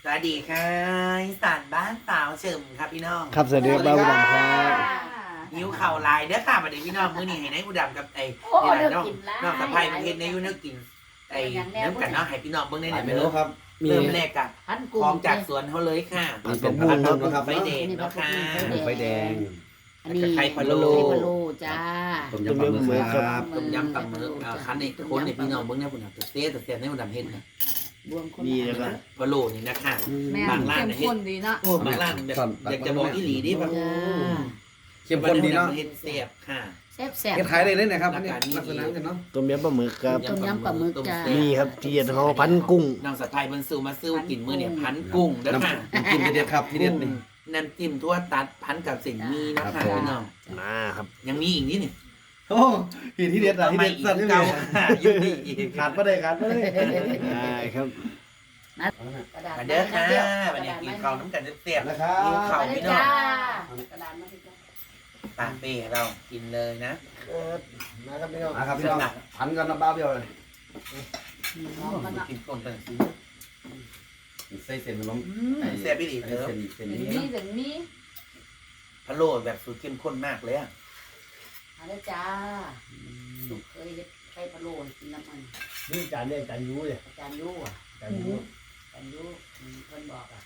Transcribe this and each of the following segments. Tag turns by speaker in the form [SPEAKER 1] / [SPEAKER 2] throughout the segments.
[SPEAKER 1] สวัสดีค่ะอีสานบ้านสาวเฉิมครับพี่น้อง
[SPEAKER 2] ครับสวัสดีครับบ้าบุดำครับ
[SPEAKER 1] นิ้วเข่าลายเด้อค่ะมาเดี๋ยวพี่น้องมื้อนี้ให้นายบุดำกับไอ้นี่แหละน้องน้องสะพ้ายประเทศในยูเนกินไอ้น้ำกันเนาะให้พี่น้องเบิ่งได้ไหน
[SPEAKER 3] ไม่
[SPEAKER 1] เด้
[SPEAKER 3] รู้
[SPEAKER 1] อ
[SPEAKER 3] ครับ
[SPEAKER 2] มี
[SPEAKER 1] เริ่มแรกกับ
[SPEAKER 4] พัน
[SPEAKER 1] ข
[SPEAKER 4] กุ้
[SPEAKER 1] อง งจากสวนเขาเลยค่ะ
[SPEAKER 2] มีเป็นผักบุ้ง
[SPEAKER 1] ผั
[SPEAKER 2] นะครับ
[SPEAKER 1] ไฟแดงเนาะค่ะ
[SPEAKER 2] ไฟแดง
[SPEAKER 4] อันนี้
[SPEAKER 1] ไข่พะโล้
[SPEAKER 4] ไข่พะโล้จ้า
[SPEAKER 3] ต้มยำปลาหมึกครับ
[SPEAKER 1] ต้มยำปลาหมึกคันนี้คนเนี่ยพี่น้องเบิ่งได้พุ่นน่ะตัวเต้ตัวเต้ในบุดำเฮ็ดนะ
[SPEAKER 4] บวมคน
[SPEAKER 2] มีแล้วก็
[SPEAKER 1] พะโล้นี่นะคะ
[SPEAKER 4] แม่
[SPEAKER 1] บางร้าน
[SPEAKER 4] เข้ม
[SPEAKER 1] เนี่ยเฮ็ด
[SPEAKER 4] ข้นดีเนาะ
[SPEAKER 1] บางร้านแบบอยากจะบอกอีหลีดิแบบ
[SPEAKER 4] จ้า
[SPEAKER 3] เข้มข้นดีเนาะ
[SPEAKER 1] เฮ็ดเสียบค่ะ
[SPEAKER 4] แซ่บแซ่บ
[SPEAKER 3] เฮ็ดขายได้เลยนะครับอันนี้ลักษณะกันเนาะ
[SPEAKER 2] ต้มยำปลาหมึกครับ
[SPEAKER 4] ต้มยำปลาหมึกจ้า
[SPEAKER 2] มีครับที่เขาพันกุ้ง
[SPEAKER 1] น้องสะพายเพิ่นซื้อมาซื้อกินมื้อเนี่ยพันกุ้งเด้อค่ะ
[SPEAKER 3] น้ำจิ้มที่เด็ดครับที่เด็ดนี่
[SPEAKER 1] น้ำจิ้มทั่วตัดพันกับสิ่งมีนะ
[SPEAKER 3] ครั
[SPEAKER 1] คะ
[SPEAKER 3] บผม
[SPEAKER 1] พี่น้อง
[SPEAKER 2] มาครับ
[SPEAKER 1] ยังมีอีกนิดนี่
[SPEAKER 3] โอ้ที่เด็ดอะที่เด็ด
[SPEAKER 1] อีก
[SPEAKER 3] สั่นอยู่
[SPEAKER 1] เก่า
[SPEAKER 3] นี่
[SPEAKER 1] อยู่นี่อีก
[SPEAKER 3] ขาดไม่ได้ขาดไม่ได้
[SPEAKER 2] ได้ครับ
[SPEAKER 4] กระดาษ
[SPEAKER 1] มาเด้อค่ะวันนี้กินข้าวน้ำกันเสียบ
[SPEAKER 3] นะครั
[SPEAKER 1] ๆกิน
[SPEAKER 3] บ
[SPEAKER 1] ข้าว
[SPEAKER 4] มาเลย
[SPEAKER 1] พี่น้อ
[SPEAKER 4] จ้าง กระดาษมาเลยจ้า
[SPEAKER 1] ตาเป้เรากินเลยนะ
[SPEAKER 2] นะครับพี่น้อง
[SPEAKER 3] นะครับพี่น้องพันกันน้ำบ้าเบี้ยวเลย
[SPEAKER 4] มันอ่ะ
[SPEAKER 1] กินก่อนเป็นสิ
[SPEAKER 3] ใส่เส้นล้ม
[SPEAKER 1] เสียบอีหลีเถอะ
[SPEAKER 3] เส้น
[SPEAKER 4] ถึง
[SPEAKER 3] นี้
[SPEAKER 4] นี้ถึงนี้
[SPEAKER 1] พะโล้แบบสูตรเข้มข้นมากเลยอะ
[SPEAKER 4] มาเลยจ้าลูกเคยไข่พะโล้กินน้ำมัน
[SPEAKER 2] นี่จานเนี่ยจานยูเลย
[SPEAKER 4] อาจารย์ยู่อ่ะ
[SPEAKER 2] จานยู
[SPEAKER 4] อาจารย์ยู่เพิ่นบอกอ่ะ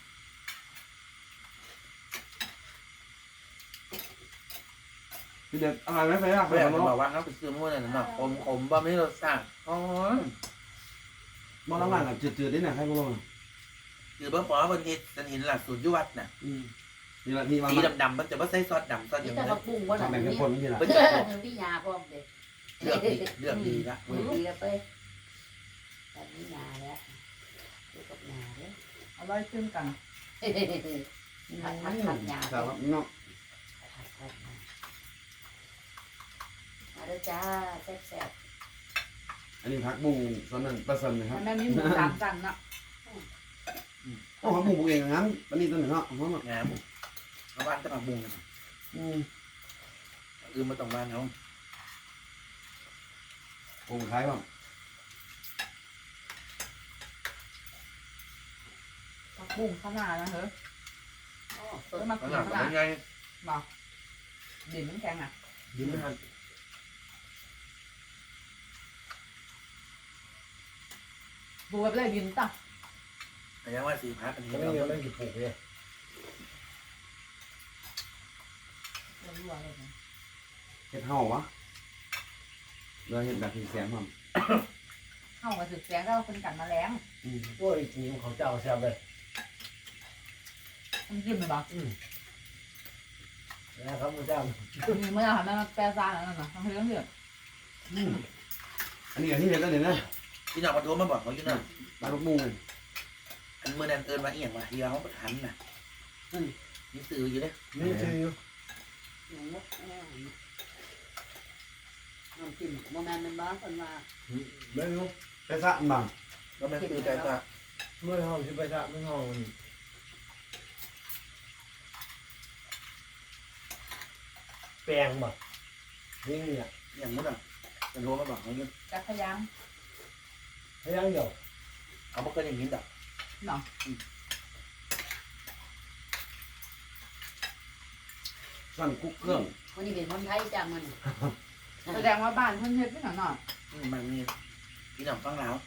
[SPEAKER 3] ที่เด็ดอร่อยไหมไฟอ่ะ
[SPEAKER 1] เพื่อนบอกว่าเขาไปซื้อมื้อนั้นเนาะขมๆบ่ไม่รสชาติอ๋อ
[SPEAKER 3] มองล่างๆจืดๆนี่นะให้พวกเรา
[SPEAKER 1] คือบ่พอเพิ่นเฮ็ดฉันเห็นหลักสูตรอยู่วัดน่ะ
[SPEAKER 3] นี่ละนี่มา
[SPEAKER 1] สีดำๆมันจะบ่ใส่ซอสดำซอสอ
[SPEAKER 4] นี่
[SPEAKER 1] ย่าง
[SPEAKER 4] แต่
[SPEAKER 1] นี้
[SPEAKER 4] ผักบุ้งว่าหนั
[SPEAKER 3] ทำ
[SPEAKER 4] ง
[SPEAKER 3] แบบ
[SPEAKER 4] นี้
[SPEAKER 3] เข้มข้นนี่แหละ
[SPEAKER 1] เพิ่นจะ
[SPEAKER 4] พี่ยาพร้อมเด็ก
[SPEAKER 1] เลือกดีละ
[SPEAKER 4] ดีแล้วไปแบบนี้ยาแล้วดูกับยาแล้ว
[SPEAKER 5] อร่อยขึ้นกัน
[SPEAKER 4] ผัดยา
[SPEAKER 3] ครับเนาะ
[SPEAKER 4] มาแล้วจ้าแซ่บ
[SPEAKER 3] อันนี้ผักบุ้งส่วนนั้นปลาสันนะครับ
[SPEAKER 5] แม่มีหมูสามชั้นเนาะ
[SPEAKER 3] โอ้ผักบุ้งปลูกเองงั้นอันนี้ตัวหนึ่งเนาะหอม
[SPEAKER 1] งามเอาบ้านจะมาบุงกันมาต้องบ้านเขา
[SPEAKER 3] ปลูกขายบ้าง
[SPEAKER 5] ผักบุ้งข้างหน้านะเฮ้ย
[SPEAKER 4] ๆ
[SPEAKER 5] เออมา
[SPEAKER 1] ข
[SPEAKER 5] กิน
[SPEAKER 1] นาด
[SPEAKER 5] ข้างหน้า
[SPEAKER 1] เป็นไง
[SPEAKER 5] บอกดินมันแข็งอ่ะ
[SPEAKER 2] ยิ้มนะครับ
[SPEAKER 5] ดูแบบไรดินต่ะ
[SPEAKER 1] แต่ยังว่าสีพักอันนี้
[SPEAKER 2] ไม่
[SPEAKER 1] เรา
[SPEAKER 2] ยังไม่กินผูกเลย
[SPEAKER 5] รัวๆเลยนะ
[SPEAKER 3] เฮ็ดเห่าวะเราเฮ็ดแบบแสงมัน
[SPEAKER 5] เข้ามาสึกแสงแล้วเป็นกันแมาแรง
[SPEAKER 2] โอ้ยจริงของเจ้าแซ่บเลย
[SPEAKER 5] มันจิ้มเลยบอก
[SPEAKER 2] นะครับคุณเจ้า
[SPEAKER 5] มีเมื่อหันมาแปรซาแล้วนะทำให้เรื่องเดือด
[SPEAKER 3] อันนี้อันนี้เห็นแล้วเนี่ยนะ
[SPEAKER 1] พี่น้องมาโทรมาบอกเขาอยู่นะ
[SPEAKER 3] ปลาลูกมุ้ง
[SPEAKER 1] อันเมื่อนั้นเอิญมาเอียงว่าที่เขาประทันน่ะนี่ซื้ออยู่เลย
[SPEAKER 2] นี่คือ
[SPEAKER 4] น้ำจิ้มโมแมนมันบ้าคนว่า
[SPEAKER 2] ไม่รู้
[SPEAKER 3] ไปสะบ้าง
[SPEAKER 1] ก็ไม่ซื้อใจก็
[SPEAKER 2] เมื่อห้องที่ไปทะเมื่อห้องแปลงบ่นี่เนี่ย
[SPEAKER 1] อย่างนู้นอ่ะจะโทรมาบอกเขาอยู่
[SPEAKER 5] จักพยาง
[SPEAKER 2] พยังเดียว
[SPEAKER 1] เขาบอกก็อย่างนี้ดอก
[SPEAKER 5] เนาะ
[SPEAKER 3] สั่นกุ๊กเครื่อง
[SPEAKER 4] วันนี้เป็นคนไทยจ้ามัน
[SPEAKER 5] แสดงว่าบ้านเพิ่นเฮ็ดไม่หน่อยหน่อย
[SPEAKER 1] มันมีพี่น้องฟังแล้ว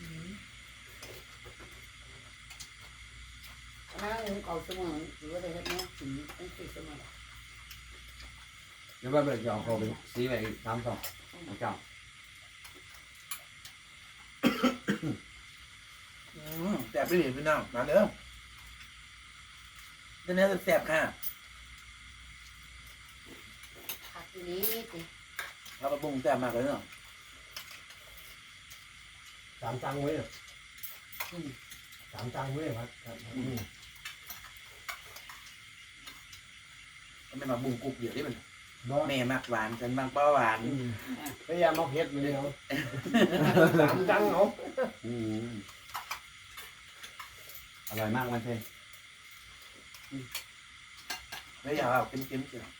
[SPEAKER 4] นั่งเอาเสมอหรือว่าอะไรแบบนี้ถึงต้องติดเสมอ
[SPEAKER 3] เดี๋ยวว่าแบบจะเอาเขาไปสีไปตามต่อของเจ้า
[SPEAKER 1] แต่ไม่เห็นพี่น้องมาเด้อเดี๋ยวนี้จะแสบค่ะ
[SPEAKER 4] ผักทีนี้สิ
[SPEAKER 1] เราไปบุงแสบมากเลยเนาะ
[SPEAKER 2] สามตังไว้สามตังไว้ครับ
[SPEAKER 1] ไม่มาบุงกุ๊กเดี๋ยวได้มัน
[SPEAKER 2] บ่
[SPEAKER 1] แม่มักหวานฉันมักเบาหวาน
[SPEAKER 2] พยายามเอาเพชรมาเลยเขาสามตังเขา
[SPEAKER 3] อร่อยมากมันเท่
[SPEAKER 1] ไม่อยากเอาเค็มๆเชียว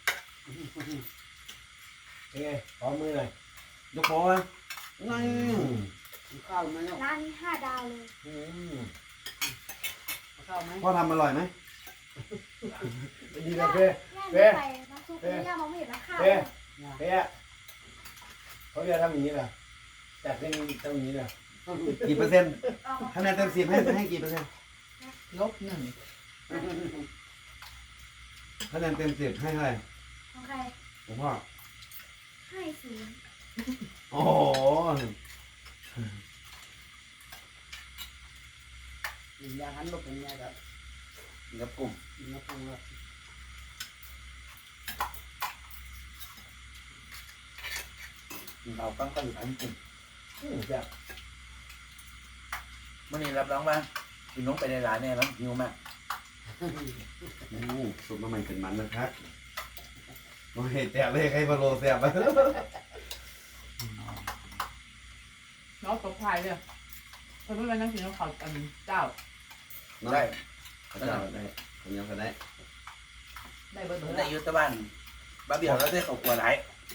[SPEAKER 2] เป็นไงขอมือหน่อย
[SPEAKER 3] ยกโป้ไหมนั่น
[SPEAKER 4] ข้าวมันแล้ว
[SPEAKER 6] ร้านนี้5 ดาวเลย
[SPEAKER 4] ข้ข้าวไหม
[SPEAKER 3] พ่อทำอร่อยไหม
[SPEAKER 2] ดีนะเพ่
[SPEAKER 6] แม่ไปน้ำซุปนี่ย่ามองไม่เห็นนะข้าว
[SPEAKER 2] เพ่เขาจะทำอย่างนี้นะจัดเป็นทำอย่างนี้นะ
[SPEAKER 3] กี่เปอร์เซ็นต์คะแนนเต็ม10ให้กี่เปอร์เซ็นต์
[SPEAKER 5] -1
[SPEAKER 3] คะแนนเต็ม10ให้เท่าไหร่
[SPEAKER 6] ของใคร
[SPEAKER 3] ผมพ่อ
[SPEAKER 6] ให้ศูนย์
[SPEAKER 3] โอ้โห
[SPEAKER 4] อย่างนั้นลูกเป็นไงครับ
[SPEAKER 3] งับกลุ่ม
[SPEAKER 4] นักพงศ์
[SPEAKER 3] เราตั้งก็อยู่ทั้งกลุ่ม
[SPEAKER 2] แบบ
[SPEAKER 1] มื่อนี้รับรองว่ากินน้องไปในร้านแน่แล้วหิวมาก
[SPEAKER 3] สุดมาใหม่เป็นมันนะครับมาเห็ดแจกเลยใครมาโลแซ่บไป
[SPEAKER 5] น้องตบพายเลยเพิ่นไม่นั่งกินน้ำข้าวอันเจ้า
[SPEAKER 1] ได้
[SPEAKER 3] เขาจะได้ผมยังก็ได้
[SPEAKER 5] ได้เบอร์เบอร์
[SPEAKER 1] ในยุทธบ้านบ้าเบี้ยวแล้วได้เขากลัวไหล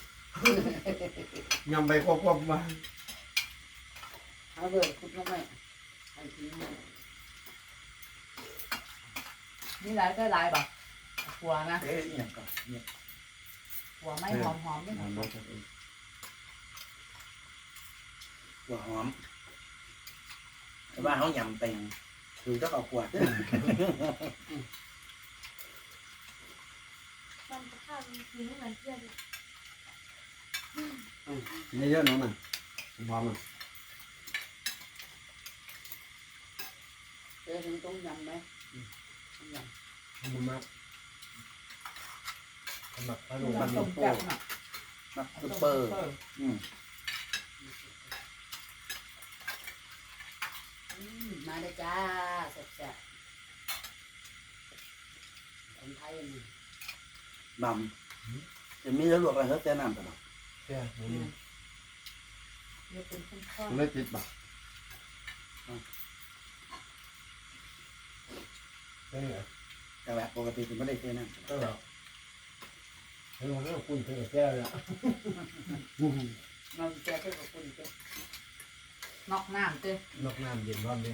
[SPEAKER 3] ยำไปควบมา
[SPEAKER 4] เอาเบิร์ดคุดลงไปไอ้ทีนี้
[SPEAKER 5] นี่หลายก็หลายป่ะหัวนะ
[SPEAKER 1] เอ๊ะอย่างก่อนเนี่ย
[SPEAKER 5] หัวไม่หอมๆด้วยนะ
[SPEAKER 1] หัวหอมแต่ว่าเขายำเป็นคือต้องเอาขวด
[SPEAKER 6] มันจะข้าวมีสีไม่เหมือนเพื่อนเลย
[SPEAKER 3] นี่เยอะน้องน่ะพร้อมอ่ะ
[SPEAKER 4] เจอถึงต้มยำไหมยำ
[SPEAKER 2] มันมากทำแบบขนม
[SPEAKER 5] มันต้มแซ่บน่ะ
[SPEAKER 1] มักซุปเปอร์อืม
[SPEAKER 4] มาเลยจ้าแซ่บๆคนไทยนี่
[SPEAKER 1] บำจะมีแล้วลวกอะไรเขาแต่น้ำตลอด
[SPEAKER 2] แค่นี้
[SPEAKER 5] เดี๋ยวเป็นข้น
[SPEAKER 3] ไม่ติดป่ะ
[SPEAKER 2] ได้เหรอ
[SPEAKER 1] แต่แบบปกติจะไม่ได้เท่น้ำ
[SPEAKER 2] ก็เหรอให้เราเรื่องคุณเพื่อนแก้วเนี่ย
[SPEAKER 4] เราแจกให้กับคนเจ้า
[SPEAKER 5] ๆนอกน้ำเจ้
[SPEAKER 2] นอกน้ำเย็นร้อนเลย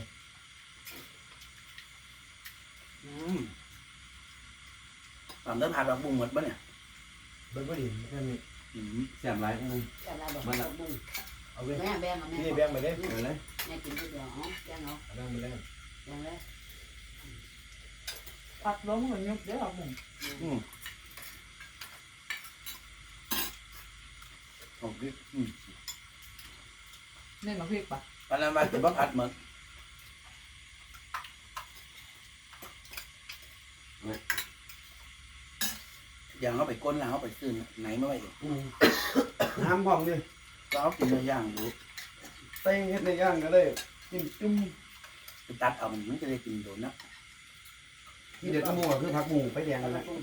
[SPEAKER 1] ตอนเริ่มผัดดอกบุ้งหมดปะเนี่ย
[SPEAKER 2] เบิ้ลก็ดีแค่นี้
[SPEAKER 3] แซ่บหลายนึง
[SPEAKER 4] แต่เราบอกว่าบุ้ง
[SPEAKER 2] เอาไป
[SPEAKER 4] แม่แบ่งเอาแม่
[SPEAKER 2] นี่แบ่งไปได้
[SPEAKER 3] เอาเลย
[SPEAKER 4] แม่กินทีเดียวอ๋อแบ่งเอา
[SPEAKER 2] แบ่งไปได้
[SPEAKER 4] แบ่งเลย
[SPEAKER 5] ผัดล้มเหมือนยุบเด้อครับผม
[SPEAKER 1] โอเค
[SPEAKER 5] เน้นมาพริกป่ะ
[SPEAKER 1] ตอนนั้นมาถึงว่าผัดเหมือนอย่างเขาไปก้นแล้วเขาไปซื้อไหนมาไว้
[SPEAKER 3] น้ำพร้อมดิ
[SPEAKER 1] ก็เขากินเนื้อย่างรู้
[SPEAKER 3] เต้งเฮ็ดในย่างก็ได้กินจุ่ม
[SPEAKER 1] ไปตัดเอามันจะได้กินโดนนะ
[SPEAKER 3] ที่เด็ดก็มูก็คือผักหมูไปแดง
[SPEAKER 4] เอา
[SPEAKER 3] นั่นแห
[SPEAKER 4] ละ
[SPEAKER 3] ละ
[SPEAKER 4] บุ้ง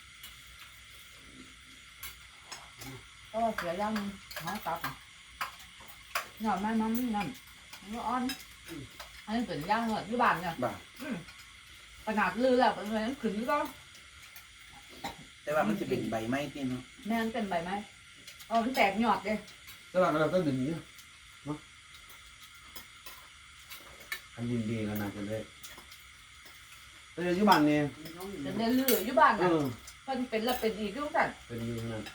[SPEAKER 5] ก็เสียย่างน้องตับหน่อยมันนั่นมันอ่อนอันนี้เป็นย่างเหรอที่บ้านเนี่ย
[SPEAKER 1] บ้า
[SPEAKER 5] ขนาดลือแล้วเป็นไงขึ้นก็
[SPEAKER 1] แต่ว่ามันจะเป็นใบไม้ที่เนาะ
[SPEAKER 5] แม่นเป็นใบไหมมันแตกหยอดเลย
[SPEAKER 3] ตลาดเราต้องดึงเนี่ยเนาะอันยินดีกันนะจะได้แต่ปัจจุบันเนี่ย
[SPEAKER 4] น้อง
[SPEAKER 5] เป็นเลืออยู่บ้าน
[SPEAKER 3] เอ
[SPEAKER 5] น่ะ
[SPEAKER 3] อ
[SPEAKER 5] เพิ่นเป็นแล้วเป็นอีกทุกท่าน
[SPEAKER 3] เป็นอยู่นั่น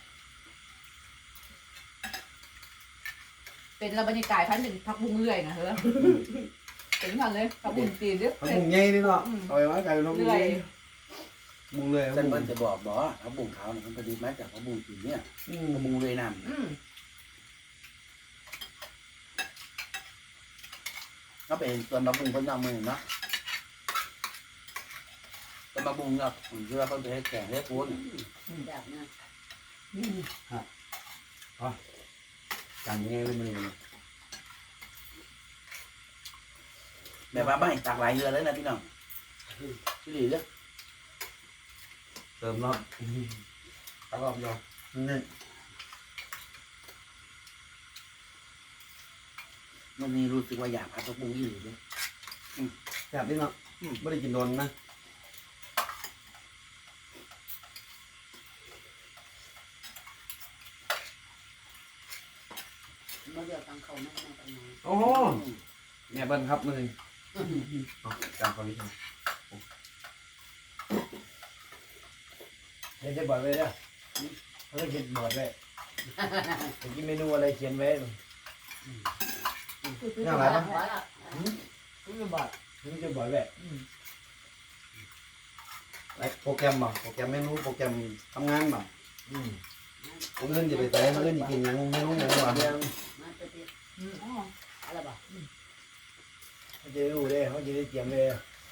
[SPEAKER 5] เป็นระบรรยากาศพันเป็นพักบุ้งเรื่อยนะเฮ้อเป็นทันเลยพักบุ้งตีเด้อ
[SPEAKER 3] ผักหมูใหญ่นี่เนาะเอาไว้ไว้ไก่ลง
[SPEAKER 5] เรื่อย
[SPEAKER 3] หมูเลย
[SPEAKER 1] เส้นมันจะบอกเขาบุ้งขาวเนี่ยมันผลิตมาจากเขาบุ้งสีเนี่ยเขาบุ้งเลยน้ำเขาเป็นส่วนมะบุ้งคนนอกมือเนาะส่วนมะบุ้งเนาะเรือเขาจะให้แก่ให้พ้น
[SPEAKER 4] แบบนี้
[SPEAKER 3] กันง่ายเลยมัน
[SPEAKER 1] แบบว่าไม่ตักหลายเรือเลยนะพี่น้องพี่หลีเลย
[SPEAKER 3] เติมรอบตลอดยอนี่
[SPEAKER 1] วันนี้รู้สึกว่าอยากผัดผักบุ้งอีหลีเลย
[SPEAKER 3] แซ่บนี่เนาะไม่ได้กินโดนนะ
[SPEAKER 4] มาเดี๋ยวตังเขาไม่ให้ตังมา
[SPEAKER 3] โอ้แม่เบิ้ลครับมือจำความวิชาโอ้
[SPEAKER 2] ดี๋ยวจะบอกไว้เนี่ยเขาจะคิดบอดไว้จะกินเมนูอะไรเขียนไว้
[SPEAKER 5] คือ
[SPEAKER 3] ยังไงบ้าง
[SPEAKER 4] หัวละ
[SPEAKER 5] คือจะบอก
[SPEAKER 2] เขาจะบอกไว้
[SPEAKER 3] ไอ้โปรแกรมบ่โปรแกรมเมนูโปรแกรมทำงานบ่
[SPEAKER 2] อืม
[SPEAKER 3] ผมเงินจะไปแต่เงินจะกินยังเมนูยังบ่
[SPEAKER 2] เรื่อง
[SPEAKER 4] มันจะติด
[SPEAKER 5] อ๋อ
[SPEAKER 4] อะไรบ่
[SPEAKER 2] เขาจะรู้เลยเขาจะได้เตรียมเลย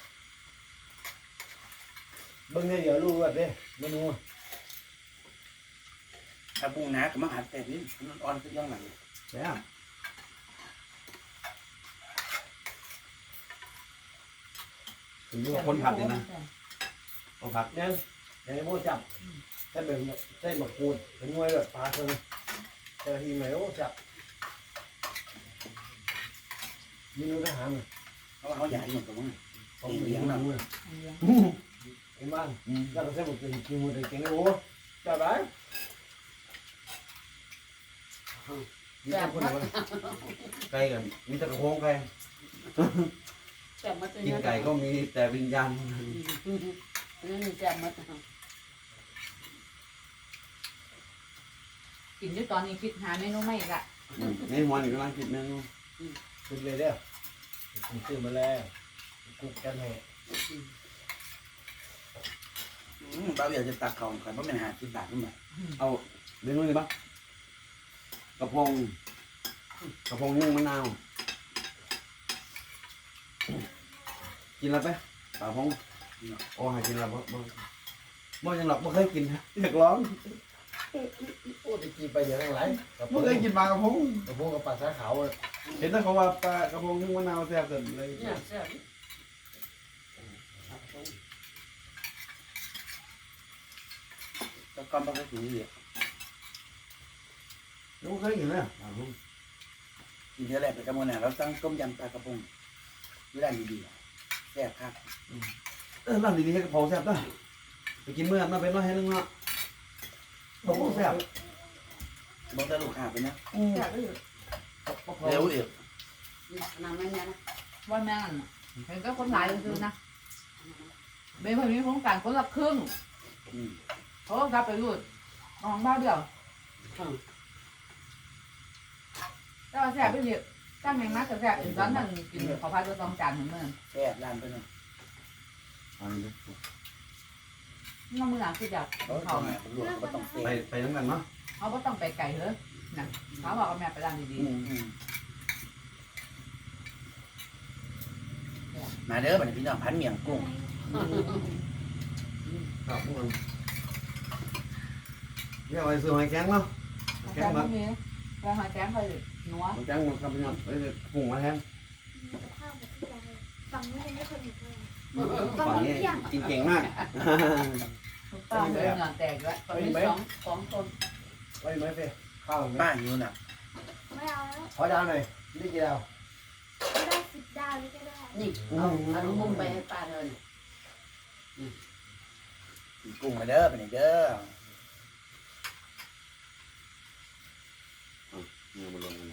[SPEAKER 2] เบิ่งเนี่ยเดี๋ยวรู้ว่าเด้เมนู
[SPEAKER 1] ถ้าปรุงนะก็มาหัดแต่นี่มันอ่อนขึ้นยังไง
[SPEAKER 3] ใช่ถึงอยู่กับคนผัดเลยนะคนผัด
[SPEAKER 2] เนี่ยอย่างนี้โม่จับใส่แบบใส่หมักกูดเป็นมวยแบบปลาเพิ่งแต่ทีไหนโอ้จับเมนูทหาร
[SPEAKER 1] เพราะว่าเขาใหญ่หมดตรงนั้น
[SPEAKER 2] ผมเลี้ยงนะไอ้บ้านแล้วก็ใส่หมกกินกินหมดเลยเก่งโอ้จับได้นี่คนละ
[SPEAKER 3] ไก่กันมีแต่กระโปงไก่
[SPEAKER 4] แจ่มมาตัว
[SPEAKER 3] กิน
[SPEAKER 4] นี้
[SPEAKER 3] ไก่ก็มีแต่วิญญาณ
[SPEAKER 4] นั่นแจ่มมา
[SPEAKER 5] กินอยู่ตอนนี้คิดหาเมนูใหม่อีกละ
[SPEAKER 3] ในหัวนี่กำลังคิดเมนู
[SPEAKER 2] คุกเลยเด้อผมซื้อมาแล้วคุกกันให้
[SPEAKER 1] บ้าเบียจะตักเขาก่อนเพราะมันหา10 บาทขึ้นมา
[SPEAKER 3] เอาเมนูนี้ปะกระเพงนึ่งมะนาวกินแล้วไปปลาพงโอ้หากินแล้วบ่ยังหลับบ่เคยกินอยากร้อง
[SPEAKER 2] โอ้ตะกี้ไปอย่างไร
[SPEAKER 3] บ่เคยกินปลากระพง
[SPEAKER 2] กับพวกกับปลาสาขาว
[SPEAKER 3] เห็นแต่เขาว่าปลากระพงนึ่งมะนาวแซ่บสุดเลย
[SPEAKER 4] เนี่ยแจ่ม
[SPEAKER 1] แล้วก็มาถึงนี่
[SPEAKER 3] ยังบ่เคยกินเลยปลากระพง
[SPEAKER 1] กินเท่าไรไปกระมวลน่ะเราตั้งต้มยำปลากระพงไม่ได้ดีๆแซ่บครับ
[SPEAKER 3] ร้านดีๆให้กระเพราแซ่บด้วยไปกินเมื่อมาเป็นร้อยให้นึงเนาะกระเพราแซ่บ
[SPEAKER 1] บอกแต่ลูกค้าไปนะ
[SPEAKER 5] อยากได้อยู่
[SPEAKER 1] เร็วอีก
[SPEAKER 4] น้ำมันเนี่ยนะ
[SPEAKER 5] วันแม่งเห็นก็คนหลายคือนะเบนคนนี้โครงการคนละครึ่งเขาก็กลับไปรูดของบ้านเดียวแต่ว่าแซ่บไปเรียบตั้งแมงนักกับแซ่บอีกร้านหนึ่งกินขอพายตัว2 จานเหมือนเมื่อ
[SPEAKER 1] แซ่บร้านไปนะ
[SPEAKER 3] อันนี้
[SPEAKER 5] น้องมือหลังคืออยาก
[SPEAKER 1] เขา
[SPEAKER 5] เขา
[SPEAKER 1] ทำผมรู้เขาต้องแซ่บ
[SPEAKER 3] ไปน้ำกันเนาะ
[SPEAKER 5] เขาก็ต้องไปไก่เลยนะเขาบอกเอาแม่ไปร้านดี
[SPEAKER 1] มาเด้อบัดนี้พี่น้องพันเมียงกุ้ง
[SPEAKER 3] ครับพวกมันเรียกว่าซื้อหอยแข็งเนาะ
[SPEAKER 5] ๆ
[SPEAKER 3] แข็
[SPEAKER 5] แก้
[SPEAKER 3] ง
[SPEAKER 5] ม
[SPEAKER 3] มา
[SPEAKER 5] มีแก้มหอยแก้มไปนัว
[SPEAKER 3] หอยแข็งมาครับพี่น้องไปกุ้งมาแทน
[SPEAKER 6] ข้าวแบบที่ใจฝั่งนู้นยังไม่เคยเห็นเลย
[SPEAKER 3] ฝั่งนี้กินเก่งมาก
[SPEAKER 5] ถูกต้องเลยเหงื่อแตกแล้ว
[SPEAKER 4] ตอนนี้สองคน
[SPEAKER 2] ไว้ไหมเฟ่ข้าวไหม
[SPEAKER 1] ป้าหิวน่ะ
[SPEAKER 6] ไม่เอาแล้ว
[SPEAKER 2] ขอดาวหน่อยนี่กี่ดาว
[SPEAKER 6] ไม่ได้10 ดาวนี่ก็ได้
[SPEAKER 4] นี่เอาลูกมุ้งไปให้ป้าเดิน
[SPEAKER 1] กินกุ้งมาเด้อบัดนี้เด้อ
[SPEAKER 3] เนี่ยมันลงกัน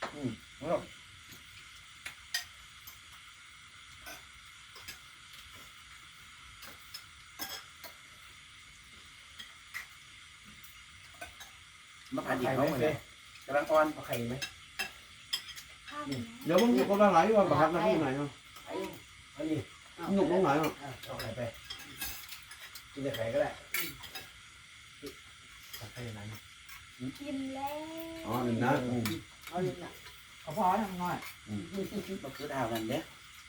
[SPEAKER 1] มาผัดอีก
[SPEAKER 2] ไข่ไหม
[SPEAKER 1] เขาเหมือน
[SPEAKER 2] เฟ่
[SPEAKER 1] กำลังอ่อน
[SPEAKER 2] เอาไข่ไหม
[SPEAKER 6] ข้าวเป็นไหม
[SPEAKER 3] เดี๋ยวมึงคนละหลายว่าประคับน้ำที่ไหนเนาะ
[SPEAKER 4] ไอ้
[SPEAKER 2] อันนี้
[SPEAKER 3] หนุกตรงไหนเนาะ
[SPEAKER 2] เอาไข่ไปกินแต่ไข่ก็ได้เอาไข่ไหน
[SPEAKER 6] กินแล้ว
[SPEAKER 3] อ๋อหนึ่งนะ
[SPEAKER 4] เอาเลยนะ
[SPEAKER 5] เขาพอทำน้อย
[SPEAKER 1] มาคือดาวนั่นเด้อ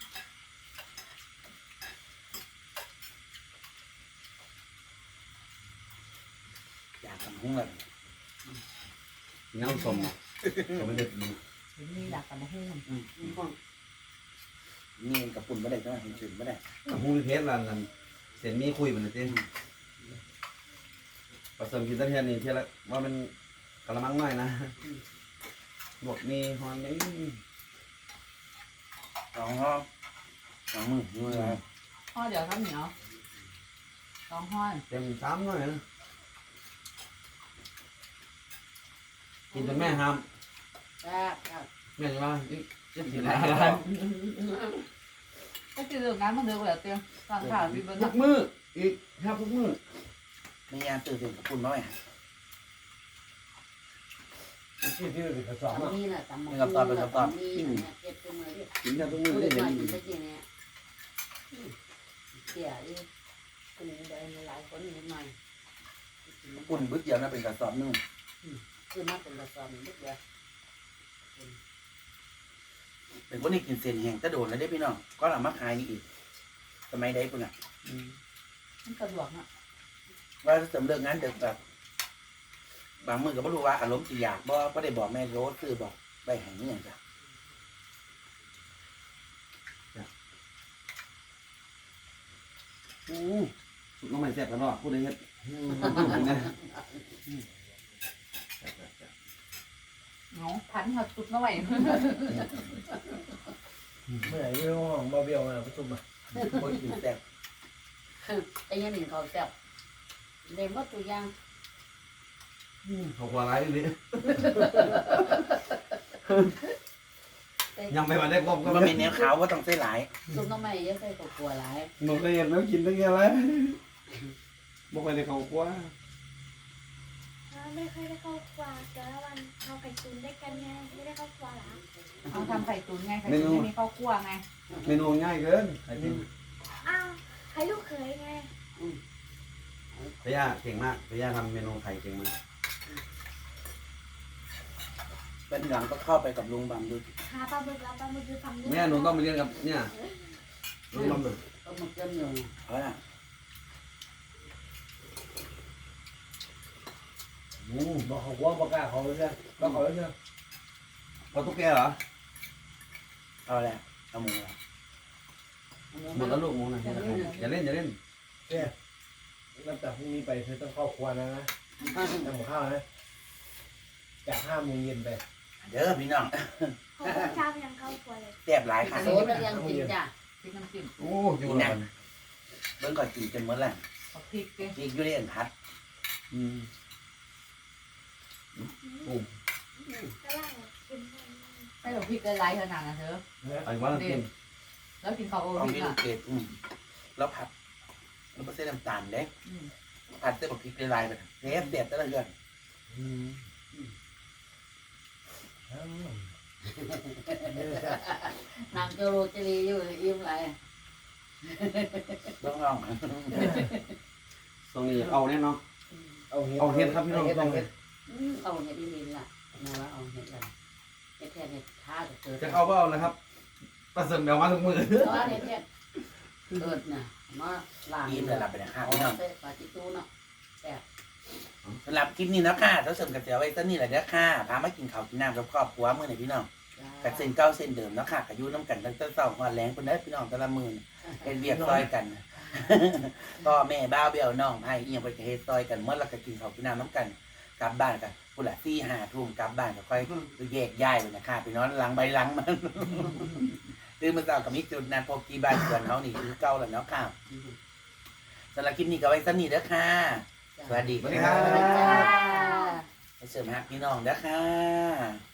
[SPEAKER 1] อยากทำหุ้งเลย
[SPEAKER 3] น้ำส้มก็ไม่ได้ดู
[SPEAKER 5] มีหลักกับมะฮุ่ง
[SPEAKER 1] นี่กับปุ่นไม่ได้ใช่ไหมเห็นจุ่นไม่ได้
[SPEAKER 3] หูเพชรลันเส้นมีคุยมันเลยเต้ผสมกินตะเทียนนี่เทียละว่ามันกระมังน้อยนะบวกมีฮอนนี่
[SPEAKER 1] สองห้องสองมือมืออะไร
[SPEAKER 5] ห่อเดี๋ยวทำเหนียว2 ห่อ
[SPEAKER 3] เต็มซ้ำหน่อยนะกินจนแม่ห้าม
[SPEAKER 4] แซ่บครับ
[SPEAKER 3] แม่จะว่าจะกินอะไร
[SPEAKER 5] ก็คือเรื่องงานมันเดือดกว่าเตียงตอนข่าวพี่เบิ้ล
[SPEAKER 3] ทุกมื้ออีกแทบทุกมื้อ
[SPEAKER 1] ไม่ยามตื่นถึงกับคุณมาไว้
[SPEAKER 2] ที่เป็นกระสอบ
[SPEAKER 4] ตำ
[SPEAKER 2] อ่ะ
[SPEAKER 4] นี้น่ะตำนี้เจ็บตัวมือ
[SPEAKER 3] กินแค่ทุกมื้อ
[SPEAKER 4] พูด
[SPEAKER 3] ได้
[SPEAKER 4] ได้
[SPEAKER 3] เห็น
[SPEAKER 4] หน่อยสักทีเนี่ยเสียอีกคนนี้ได้หลายคนนิดหน่อย
[SPEAKER 1] คุณบึ้ดเดียวนะเป็นกระสอบนึง
[SPEAKER 4] คือมาเป็นกระสอบนิดเดียว
[SPEAKER 1] เป็นคนที่กินเส้นแห้งกระโดดแล้วได้พี่น้องก็เอามาขายนี่อีกสมัยใดคุณอ่ะ
[SPEAKER 5] มันสะดวกเนาะ
[SPEAKER 1] ว่าเสริมเลิกงานเด็กแบบบางมือก็ไม่รู้ว่าอารมณ์สิอยากบ่ได้บอกแม่โรสคือบอกไปแห่งนี้อย่างจ้ะ
[SPEAKER 3] สุดน้องใหม่แซ่บกันเนาะผู้ใดเฮ็ดนะ
[SPEAKER 5] เนาะพันหัดสุดน้อย
[SPEAKER 2] เมื่อไหร่ที่ห้องบาเบียวมาประชุมอ่ะ
[SPEAKER 1] คนกินแซ่บ
[SPEAKER 4] ไอ้ยันหนึ่งเขาแซ่บเล่นว่าตัวอย่าง
[SPEAKER 3] เขากว่าไรนี่ยังไม่มาได้ครบก็
[SPEAKER 1] มัน
[SPEAKER 3] ไม่
[SPEAKER 1] เป็นแนวขาวว่าต้องใส่หลาย
[SPEAKER 4] ซุปน้ำไม่เยอะใส่กับกลัวหลาย
[SPEAKER 3] หนูเคยเห็นแล้วกินตั้งแค่ไรบอกไปในเขากว่า
[SPEAKER 6] ไม่ค่อยได้เข้าครัวแต่ละวันเราไก่ตุนได้กันไงไม่ได้เข้าครัวหรอ
[SPEAKER 5] เอาทำไข่ตุ๋นไงไข่ตุ๋นไม่มีข้าวคั่วไง
[SPEAKER 3] เมนูง่ายเกินไอ้จริง
[SPEAKER 6] อ้าวใครลูกเขยไง
[SPEAKER 3] พย่าเก่งมากพย่าทำเมนูไข่เก่งมาก
[SPEAKER 1] เป็นหลังก็เข้าไปกับลุงบางดู
[SPEAKER 6] หาปลาบึกแล้วปลาบึกคือฝั่งนู้น
[SPEAKER 3] แม่หนูต้องไปเรียนกับเนี่ยลุงลำหนึ่ง
[SPEAKER 4] ก็มันเกินอยู่
[SPEAKER 1] เอาล่ะ
[SPEAKER 2] บอกเขาว่าบอกกล้าเขาเลยใช่บอกเขาเลยใช่
[SPEAKER 3] พอตุ๊กแกเหรอ
[SPEAKER 1] เอาแหละเอาหมูละ
[SPEAKER 3] หมดแล้วลูกหมูนะอย่าเล่นอย่าเล่น
[SPEAKER 2] นับจากพรุ่งนี้ไปเธอต้องเข้าครัวนะทำข้าวนะจาก5 โมงเย็นไป
[SPEAKER 1] เด้อพี่น้อง
[SPEAKER 6] เขาก็ชอบยังเข้าครัวเลย
[SPEAKER 1] แซ่บหลายค่ะ
[SPEAKER 4] โซ่แล้วยังกินจ้ะ
[SPEAKER 5] พริกน้ำจิ้ม
[SPEAKER 3] โอ้อยู่แล้ว
[SPEAKER 1] เบิ่งก่อนกินจนหมดแล้ว
[SPEAKER 5] เอาพริกดิ
[SPEAKER 1] อีกอยู่ในอันพัด
[SPEAKER 6] ก็ล่างกิน
[SPEAKER 5] ให้เราพริกละลายขนาดนะเธอ
[SPEAKER 3] ไอ้ว่าเรากิน
[SPEAKER 5] แล้วกินข้าวโอ
[SPEAKER 1] เอา
[SPEAKER 5] พริก
[SPEAKER 1] พี่ลู
[SPEAKER 5] อ่ะ
[SPEAKER 1] กเกดแล้วผัดแล้วก็ใส่น้ำตาลเด้
[SPEAKER 5] อืม
[SPEAKER 1] ผัดเส้นบักพริกลายๆไปเสียบแต่ละเดือน
[SPEAKER 4] นางโจโรจรีอยู่อิ่มไร
[SPEAKER 1] ต้องลอง
[SPEAKER 3] ตรงนี้เอาแน่เนาะ
[SPEAKER 2] เอาเห็ดครับพี่น้องต้องเห็ด
[SPEAKER 4] เอาเห็ดดินล่ะมาว่าเอาเห็ดอะไรเห็ดแทนเห็ดท่าจะเกิด
[SPEAKER 3] จะเข้าเบ้านะครับประเสริฐแมวมาทุกมือ
[SPEAKER 4] เพราะว่าเห็ดเนี่ยเกิดน่ะมาล้าง
[SPEAKER 1] อิ่มเลยหลับไปนะครั
[SPEAKER 4] เอา
[SPEAKER 1] พี่น้อง
[SPEAKER 4] ใส่ปลาจิตูเนาะ
[SPEAKER 1] สำหรับคลิปนี้นะค่ะเท่าเสริมกับเสียไว้ต้นนี้แหละเด้อค่ะพามากินข้าวกินน้ำกับครอบครัวมื้อนี้พี่น้องกับเส้นเก่าเส้นเดิมเนาะค่ะกับอยู่น้ำกันตั้งแต่เช้าฮอดแลงเพิ่นได้พี่น้องแต่ละมื้อเป็นเวียกซอยกัน พ่อแม่บ้าวเบี้ยวน้องไผอีหยังเพิ่นก็เฮ็ดซอยกันหมดแล้วก็กินข้าวกินน้ำน้ำกันกลับบ้านกันพุ่นละ4-5 ทุ่มกลับบ้านก็ค่อยแยกย้ายไปนะคะไปนอนหลังใบหลังมันตื่นมาเช้าก็มีจุดนัดพบที่บ้านสวนเฮานี่คือเก่าแล้วเนาะค่ะสำหรับคลิปนี้ก็ไว้ซ้ำนี้เด้อค่ะสวัสดี
[SPEAKER 3] สวัสดี
[SPEAKER 1] ค่ะ
[SPEAKER 3] ครับ
[SPEAKER 4] จ้า
[SPEAKER 1] ไปเสริมฮักพี่น้องเด้อค่ะ